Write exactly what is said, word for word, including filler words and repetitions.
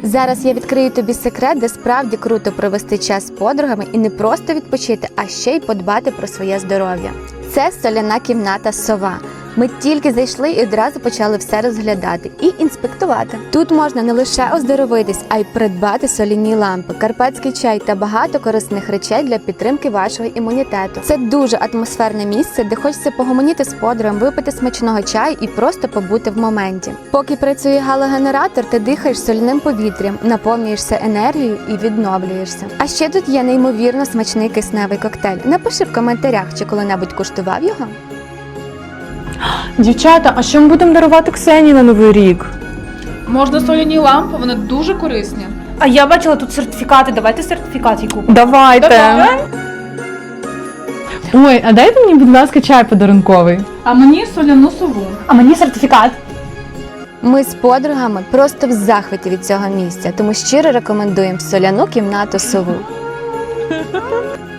Зараз я відкрию тобі секрет, де справді круто провести час з подругами і не просто відпочити, а ще й подбати про своє здоров'я. Це соляна кімната «Сова». Ми тільки зайшли і одразу почали все розглядати і інспектувати. Тут можна не лише оздоровитись, а й придбати соляні лампи, карпатський чай та багато корисних речей для підтримки вашого імунітету. Це дуже атмосферне місце, де хочеться погомоніти з подругом, випити смачного чаю і просто побути в моменті. Поки працює галогенератор, ти дихаєш соляним повітрям, наповнюєшся енергією і відновлюєшся. А ще тут є неймовірно смачний кисневий коктейль. Напиши в коментарях, чи коли-небудь куштував його. Дівчата, а що ми будемо дарувати Ксенії на Новий рік? Можна соляні лампи, вони дуже корисні. А я бачила тут сертифікати, давайте сертифікат їй купимо. Давайте. Давай. Ой, а дайте мені, будь ласка, чай подарунковий. А мені соляну сову. А мені сертифікат. Ми з подругами просто в захваті від цього місця, тому щиро рекомендуємо соляну кімнату «Сову».